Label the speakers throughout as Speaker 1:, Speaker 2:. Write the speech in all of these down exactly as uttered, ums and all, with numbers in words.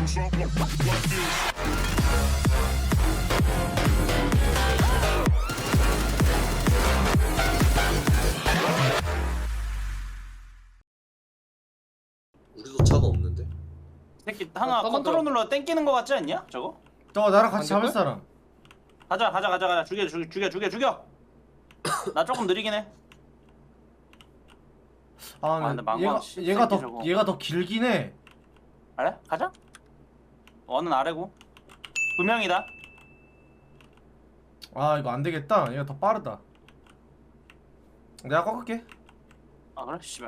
Speaker 1: 우리도 차가 없는데?
Speaker 2: 새끼 하나
Speaker 3: 아,
Speaker 2: 컨트롤 눌러 땡기는 거 같지 않냐? 저거?
Speaker 4: 저 나랑 같이 잡을
Speaker 3: 될걸?
Speaker 4: 사람.
Speaker 2: 가자 가자 가자 가자 죽여 죽여 죽여 죽여 죽여. 나 조금 느리긴 해.
Speaker 4: 아,
Speaker 2: 아, 근데
Speaker 4: 근데
Speaker 2: 망망
Speaker 4: 얘가
Speaker 2: 씨,
Speaker 4: 얘가 더
Speaker 2: 새끼 저거.
Speaker 4: 얘가 더 길긴 해.
Speaker 2: 그래? 가자. 원은 아래고. 두 명이다.
Speaker 4: 아 이거 안 되겠다. 얘가 더 빠르다. 내가 꺾을게.
Speaker 2: 아 그래? 씨발.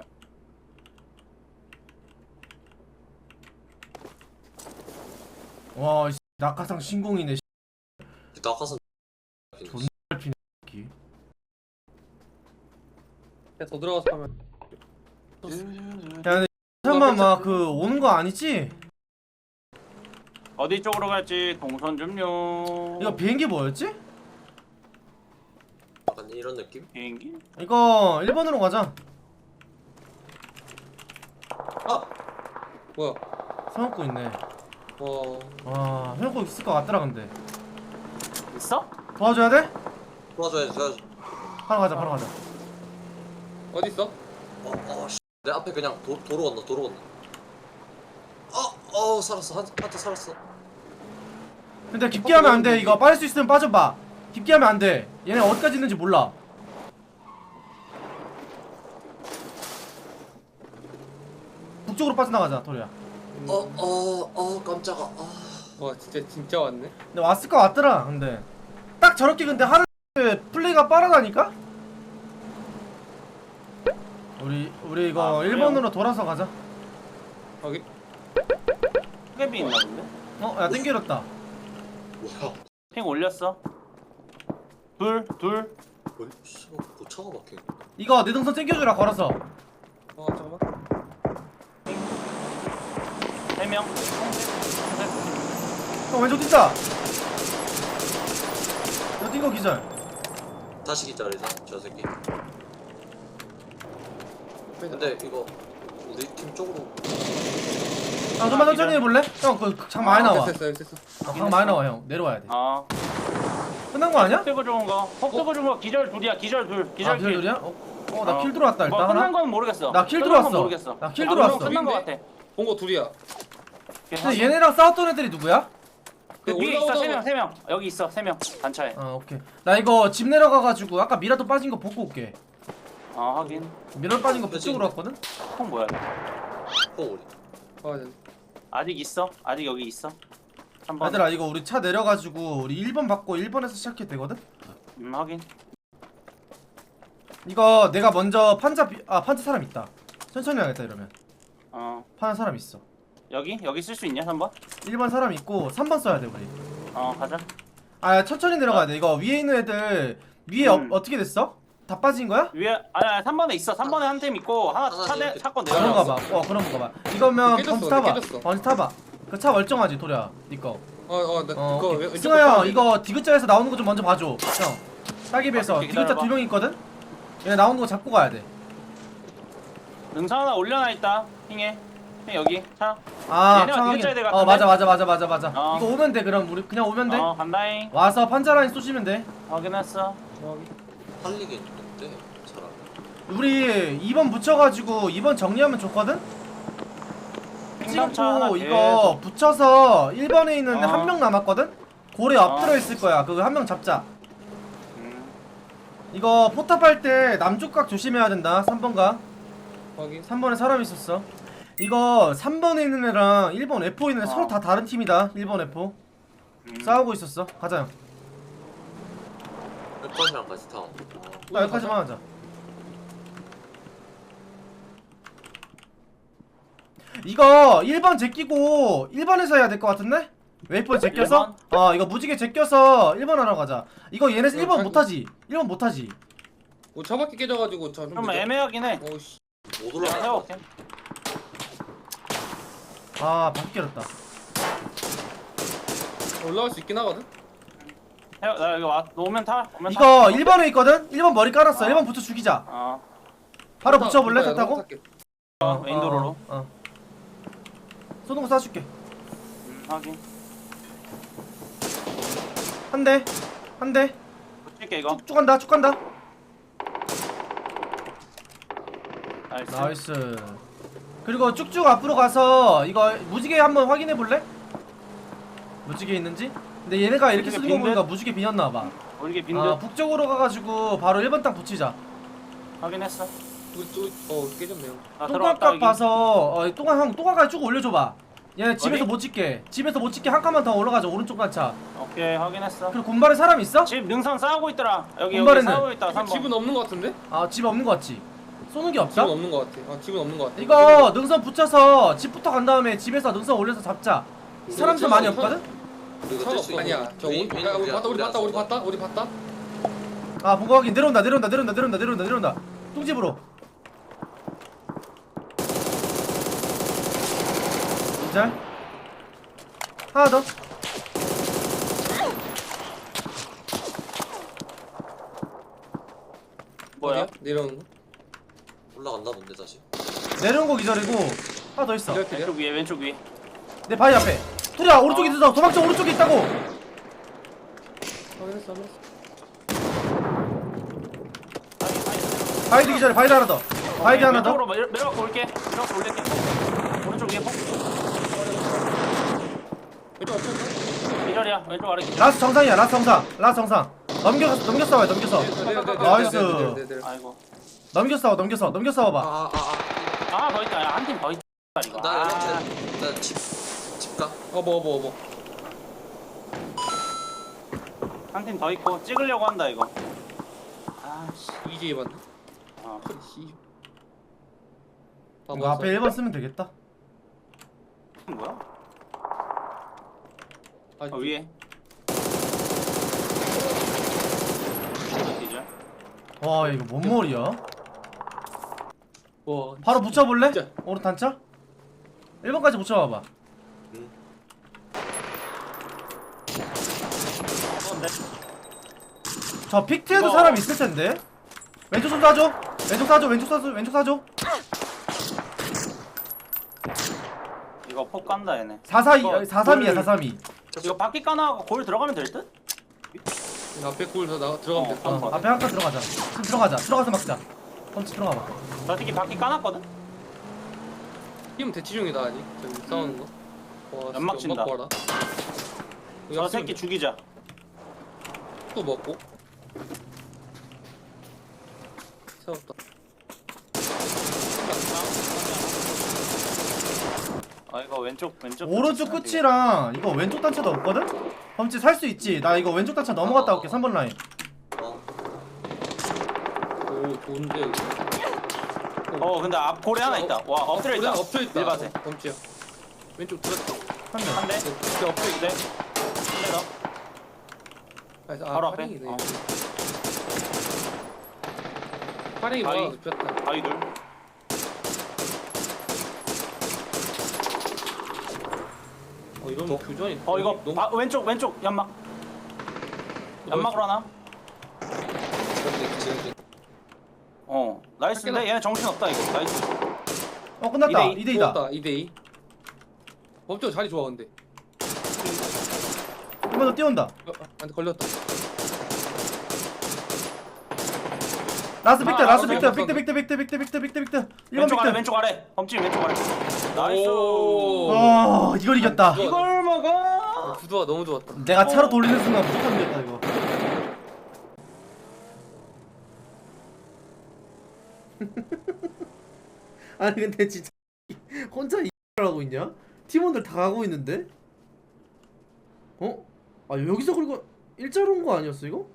Speaker 4: 와, 이 낙하산 신공이네.
Speaker 1: 낙하산
Speaker 4: 존나 피네. 새끼.
Speaker 3: 더 들어가서 하면.
Speaker 4: 야, 근데 잠깐만 막 그 오는 거 아니지?
Speaker 2: 어디 쪽으로 갈지 동선 좀요.
Speaker 4: 이거 비행기 뭐였지?
Speaker 1: 약간 이런 느낌?
Speaker 2: 비행기?
Speaker 4: 이거 일 번으로 가자.
Speaker 1: 아!
Speaker 3: 뭐야?
Speaker 4: 세워놓고 있네.
Speaker 3: 와.
Speaker 4: 와, 세워놓고 있을 것 같더라 근데.
Speaker 2: 있어?
Speaker 4: 도와줘야 돼?
Speaker 1: 도와줘야지 도와줘.
Speaker 4: 바로 가자, 바로 가자.
Speaker 3: 어디 있어?
Speaker 1: 어, 어, 씨. 내 앞에 그냥 도, 도로 건너 도로 건너. 어! 어 살았어 한, 한테 살았어.
Speaker 4: 근데 깊게 하면 안 돼. 이거 빠질 수 있으면 빠져봐. 깊게 하면 안 돼. 얘네 어디까지 있는지 몰라. 북쪽으로 빠져나가자, 토리야.
Speaker 1: 어 어 어 깜짝아. 아.
Speaker 3: 와 진짜 진짜 왔네.
Speaker 4: 근데 왔을 것 같더라. 근데 딱 저렇게 근데 하루 플레이가 빠르다니까? 우리 우리 이거
Speaker 2: 아, 그래요?
Speaker 4: 일 번으로 돌아서 가자.
Speaker 3: 여기.
Speaker 2: 크게비 있나 본데?
Speaker 4: 어, 야 땡겨졌다.
Speaker 1: 뭐야?
Speaker 2: 핑 올렸어. 둘, 둘.
Speaker 1: 어이 씨, 뭐 차가 막혀.
Speaker 4: 이거 내 동선 땡겨주라 걸어서.
Speaker 3: 어 잠깐만.
Speaker 2: 세 명.
Speaker 4: 형 왼쪽 뛴다. 너 뛴거 기절.
Speaker 1: 다시 기다리자 저 새끼. 근데 이거 우리 팀 쪽으로.
Speaker 4: 아 좀만 천천히 해볼래? 형그장 많이 나와.
Speaker 3: 됐어 됐어 됐어.
Speaker 4: 어, 강 많이 나와 형. 내려와야 돼.
Speaker 2: 어.
Speaker 4: 끝난 거 아니야?
Speaker 2: 폭 뜨고 좋은 거. 폭 뜨고 좋은 거 기절 둘이야. 기절 둘. 기절
Speaker 4: 아
Speaker 2: 킬.
Speaker 4: 기절이야? 어, 어 나 킬
Speaker 2: 어.
Speaker 4: 들어왔다
Speaker 2: 뭐
Speaker 4: 일단
Speaker 2: 끝난
Speaker 4: 하나.
Speaker 2: 건 모르겠어.
Speaker 4: 나킬
Speaker 2: 끝난 건
Speaker 4: 들어왔어.
Speaker 2: 모르겠어.
Speaker 4: 나킬
Speaker 2: 아,
Speaker 4: 들어왔어.
Speaker 2: 그럼 끝난 거 같아.
Speaker 3: 본거 둘이야.
Speaker 4: 근데 얘네랑 싸웠던 애들이 누구야?
Speaker 2: 그 위에 있어
Speaker 3: 올라오다가-
Speaker 2: 세 명, 세 명. 여기 있어 세 명. 단차에.
Speaker 4: 아 오케이. 나 이거 집 내려가가지고 아까 미라도 빠진 거 보고 올게.
Speaker 2: 어 하긴.
Speaker 4: 미라 빠진 거 북쪽으로 왔거든?
Speaker 2: 폭 뭐야?
Speaker 1: 어 우리.
Speaker 3: 아 네.
Speaker 2: 아직 있어? 아직 여기 있어? 한 번.
Speaker 4: 얘들아 이거 우리 차 내려가지고 우리 일 번 받고 일 번에서 시작해도 되거든?
Speaker 2: 음 하긴.
Speaker 4: 이거 내가 먼저 판자 비... 아 판자 사람 있다. 천천히 하겠다 이러면.
Speaker 2: 어
Speaker 4: 파는 사람 있어.
Speaker 2: 여기 여기 쓸 수 있냐 삼 번?
Speaker 4: 일 번 사람 있고 삼 번 써야 돼 우리.
Speaker 2: 어 가자.
Speaker 4: 아 천천히 내려가야 돼. 이거 위에 있는 애들 위에
Speaker 2: 음.
Speaker 4: 어, 어떻게 됐어? 다 빠진 거야?
Speaker 2: 위에 아니 아니 삼 번에 있어. 삼 번에 한 팀 있고 하나
Speaker 1: 하나
Speaker 2: 차대
Speaker 1: 이렇게-
Speaker 2: 차건
Speaker 4: 아, 그런가
Speaker 2: 내려놨어.
Speaker 4: 봐. 어 그런가 봐. 이거면
Speaker 3: 깨졌어,
Speaker 4: 번지 타봐.
Speaker 3: 깨졌어.
Speaker 4: 번지 타봐. 그 차 멀쩡하지 도리야. 니꺼.
Speaker 3: 어어나
Speaker 4: 어,
Speaker 3: 그거
Speaker 4: 오케이.
Speaker 3: 왼- 왼쪽
Speaker 4: 승아 형
Speaker 3: 거
Speaker 4: 이거 디귿자에서 나오는 거 좀 먼저 봐줘. 형 따기 비해서
Speaker 2: 아, 오케이,
Speaker 4: 디귿자
Speaker 2: 기다려봐.
Speaker 4: 두 명 있거든? 얘 나오는 거 잡고 가야 돼.
Speaker 2: 능선 하나 올려놔 있다. 핑해. 핑 여기 차.
Speaker 4: 아
Speaker 2: 얘네가
Speaker 4: 상황이-
Speaker 2: 디귿자에 될
Speaker 4: 어
Speaker 2: 같은데?
Speaker 4: 맞아 맞아 맞아 맞아 맞아.
Speaker 2: 어.
Speaker 4: 이거 오면 돼. 그럼 우리 그냥 오면 돼.
Speaker 2: 어 간다잉.
Speaker 4: 와서 판자라인 쏘시면 돼.
Speaker 2: 확인했어.
Speaker 1: 할리게 있는데 사람.
Speaker 4: 우리 이 번 붙여가지고 이 번 정리하면 좋거든?
Speaker 2: 핑감차 하나
Speaker 4: 찍고 이거 붙여서 일 번에 있는
Speaker 2: 어.
Speaker 4: 한 명 남았거든? 고래
Speaker 2: 어.
Speaker 4: 엎드려 있을 거야. 그거 한 명 잡자.
Speaker 2: 음.
Speaker 4: 이거 포탑 할 때 남쪽 각 조심해야 된다. 삼 번 각.
Speaker 3: 확인.
Speaker 4: 삼 번에 사람 있었어. 이거 삼 번에 있는 애랑 일 번 에프 있는 애
Speaker 2: 어.
Speaker 4: 서로 다 다른 팀이다. 일 번 에프.
Speaker 2: 음.
Speaker 4: 싸우고 있었어. 가자 형.
Speaker 1: 백번이랑 같이 타.
Speaker 4: 나 여기까지만 하자. 이거 일 번 제끼고 일 번에서 해야 될 것 같은데? 웨이퍼 제껴서? 어 이거 무지개 제껴서 일 번 하러 가자. 이거 얘네 일 번
Speaker 3: 자기-
Speaker 4: 못하지? 일 번 못하지?
Speaker 3: 어, 차바퀴 깨져가지고 차 좀.
Speaker 2: 좀 애매하긴 해.
Speaker 3: 오씨.
Speaker 1: 못
Speaker 2: 내가
Speaker 1: 올라가.
Speaker 2: 세워볼게.
Speaker 4: 아 바퀴 깨졌다.
Speaker 3: 올라갈 수 있긴 하거든.
Speaker 2: 세워, 나 여기 와. 너 오면 타. 오면 타.
Speaker 4: 이거 일 번에 있거든? 일 번 머리 깔았어.
Speaker 2: 어.
Speaker 4: 일 번 붙여 죽이자.
Speaker 2: 어.
Speaker 4: 바로 붙여볼래? 차 타고?
Speaker 3: 탈게.
Speaker 2: 어, 메인 도로로.
Speaker 4: 어, 어. 쏘는 거 쏴줄게.
Speaker 2: 음. 확인.
Speaker 4: 한 대, 한 대.
Speaker 2: 붙일게 이거.
Speaker 4: 쭉 간다, 쭉 간다.
Speaker 2: 나이스.
Speaker 4: 나이스. 그리고 쭉쭉 앞으로 가서 이거 무지개 한번 확인해 볼래? 무지개 있는지? 근데 얘네가 이렇게
Speaker 2: 무지개
Speaker 4: 쓰는 거 보니까
Speaker 2: 빈대?
Speaker 4: 무지개 비었나 봐.
Speaker 2: 우리 빈드
Speaker 4: 아, 북쪽으로 가가지고 바로 일 번 땅 붙이자.
Speaker 2: 확인했어.
Speaker 3: 우리 또어 깨졌네요.
Speaker 2: 나 들어왔다
Speaker 4: 똥값
Speaker 2: 여기.
Speaker 4: 봐서 어, 똥가 형 똥가가 쭉 올려줘봐. 얘네 집에서
Speaker 2: 어디?
Speaker 4: 못 찍게. 집에서 못 찍게 한 칸만 더 올라가자. 오른쪽 단차.
Speaker 2: 오케이 확인했어.
Speaker 4: 그리고 곰발에 사람 있어?
Speaker 2: 집 능선 싸우고 있더라. 여기 여기
Speaker 4: 군발에는?
Speaker 2: 싸우고 있다. 삼 번.
Speaker 3: 집은 없는 거 같은데?
Speaker 4: 아, 집 없는 거 같지? 쏘는 게 없다?
Speaker 3: 집은 없는 거 같아. 아 집은 없는 거 같아.
Speaker 4: 이거 능선 붙여서 집부터 간 다음에 집에서 능선 올려서 잡자. 사람들 많이 없거든?
Speaker 1: 우리가
Speaker 3: 차가
Speaker 1: 뛸수
Speaker 3: 없어.
Speaker 1: 있는
Speaker 3: 아니야. 저
Speaker 1: 윈-
Speaker 3: 온,
Speaker 1: 윈-
Speaker 3: 야, 우리
Speaker 1: 우리야,
Speaker 3: 봤다 우리
Speaker 1: 우리야,
Speaker 3: 봤다 우리
Speaker 1: 쏜다.
Speaker 3: 봤다 우리 봤다.
Speaker 4: 아, 보고 확인. 내려온다, 내려온다, 내려온다, 내려온다, 내려온다, 내려온다. 똥집으로. 이절. 하나 더.
Speaker 2: 뭐야?
Speaker 3: 어디야? 내려오는 거?
Speaker 1: 올라갔나 본데 다시.
Speaker 4: 내려온 거 기절이고 하나 더 있어.
Speaker 3: 이렇게
Speaker 2: 왼쪽 위에 왼쪽 위에.
Speaker 4: 내 바위 앞에. 투리야 오른쪽에 있어. 도망쳐. 오른쪽에 있다고.
Speaker 3: 확인했어 확인했어.
Speaker 4: 바위도 기절해. 바위도 하나 더. 바위도 하나 더.
Speaker 2: 왼쪽으로 내려- 내려갖고 올게. 내려갖고 올릴게. 오른쪽 위에 폭.
Speaker 3: 왼쪽 앞에
Speaker 2: 이 자리야. 왼쪽 아래.
Speaker 4: 라스 정상이야. 라스 정상. 라스 정상. 넘겨 넘겼어 봐. 넘겼어. 나이스.
Speaker 2: 아이고.
Speaker 4: 넘겼어. 넘겼어. 넘겼어 봐.
Speaker 1: 아아아 아.
Speaker 2: 아 더 있다. 야, 한 팀 더 있다 이거.
Speaker 1: 나
Speaker 2: 아,
Speaker 1: 연락해. 나집집 가.
Speaker 3: 어뭐 뭐 뭐.
Speaker 2: 한 팀 더 있고 찍으려고 한다 이거. 아씨.
Speaker 3: 이제 맞네.
Speaker 2: 어.
Speaker 3: 씨.
Speaker 4: 이거 앞에 일 번 쓰면 되겠다.
Speaker 2: 뭐야?
Speaker 3: 아,
Speaker 2: 어, 위에. 이제.
Speaker 4: 와 이거 뭔 머리야?
Speaker 3: 와.
Speaker 4: 바로 붙여볼래?
Speaker 3: 진짜.
Speaker 4: 오른 단차? 일 번까지 붙여봐봐.
Speaker 2: 뭔데?
Speaker 4: 저 픽트에도
Speaker 2: 이거-
Speaker 4: 사람 있을 텐데. 왼쪽 좀 쏴줘. 왼쪽 쏴줘. 왼쪽 쏴줘. 왼쪽 쏴줘.
Speaker 2: 이거 폭 간다 얘네.
Speaker 4: 사사이
Speaker 2: 이거
Speaker 4: 사삼이야
Speaker 2: 골-
Speaker 4: 사삼이.
Speaker 2: 이거 바퀴 까나하고 골 들어가면 될 듯?
Speaker 3: 앞에 골더 나 들어가면
Speaker 2: 어,
Speaker 3: 됐다.
Speaker 2: 어.
Speaker 4: 앞에 한 칸 들어가자. 지금 들어가자. 들어가서 막자. 펀치 들어가봐.
Speaker 2: 나 특히 바퀴 까놨거든?
Speaker 3: 팀 대치 중이다 아직. 저기 싸우는 거. 와,
Speaker 2: 연막
Speaker 3: 진짜
Speaker 2: 친다.
Speaker 3: 봐라.
Speaker 2: 저 새끼 죽이자.
Speaker 3: 또 먹고. 세웠다.
Speaker 2: 아 이거 왼쪽 왼쪽
Speaker 4: 오른쪽 끝이랑 이거 왼쪽 단차도 없거든? 범치 살 수 있지. 나 이거 왼쪽 단차 넘어갔다 올게. 삼 번 라인.
Speaker 1: 어.
Speaker 3: 오 좋은데 여기.
Speaker 2: 어 근데 앞 골에 하나 있다. 와 엎드려 있다.
Speaker 3: 엎드려 있다.
Speaker 2: 일밭에.
Speaker 3: 범치야. 왼쪽 들었다.
Speaker 4: 한 대.
Speaker 2: 한 대.
Speaker 3: 진짜 엎드려
Speaker 2: 두 대.
Speaker 3: 있다.
Speaker 2: 한 대 더.
Speaker 3: 아,
Speaker 2: 바로 앞에?
Speaker 3: 파링이네.
Speaker 2: 어.
Speaker 3: 파링이
Speaker 2: 바위.
Speaker 3: 많아 눕혔다.
Speaker 2: 바위 둘.
Speaker 3: 어 이러면 교전이.
Speaker 2: 어 이거
Speaker 3: 너무.
Speaker 2: 아, 왼쪽 왼쪽 연막. 연막으로 하나?
Speaker 1: 지금 지금
Speaker 2: 어 나이스인데 얘네 정신 없다 이거. 나이스.
Speaker 4: 어 끝났다.
Speaker 2: 이 대 이.
Speaker 4: 이 대 이다.
Speaker 3: 이 대 이. 범죄 자리 좋아 근데.
Speaker 4: 한 번 더 뛰어온다.
Speaker 3: 어, 한테 걸렸다.
Speaker 4: 라스 빅트.
Speaker 2: 아,
Speaker 4: 라스
Speaker 2: 아,
Speaker 4: 빅트.
Speaker 3: 아,
Speaker 4: 빅트 빅트 빅트 빅트 빅트 빅트 빅트. 일 번
Speaker 2: 왼쪽 아래
Speaker 4: 빅트.
Speaker 2: 왼쪽 아래. 범칙 왼쪽 아래. 나이스.
Speaker 3: 오.
Speaker 4: 어 이걸 이겼다.
Speaker 3: 이거-
Speaker 2: 이걸 먹어.
Speaker 3: 어, 구도가 너무 좋았다.
Speaker 4: 내가 차로
Speaker 2: 어.
Speaker 4: 돌리는 순간 무조건 이겼다 이거. 아니 근데 진짜 혼자 이걸 하고 있냐? 팀원들 다 가고 있는데? 어? 아 여기서 그리고 일자로 온 거 아니었어 이거?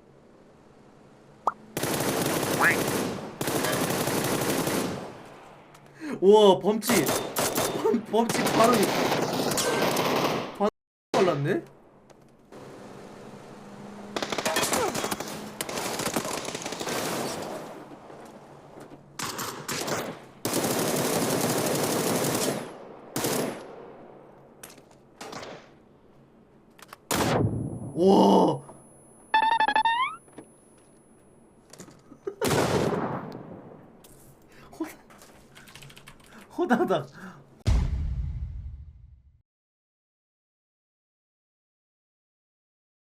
Speaker 4: 우와 범치 범, 범치 바로 바로 발랐네? 우와 호다닥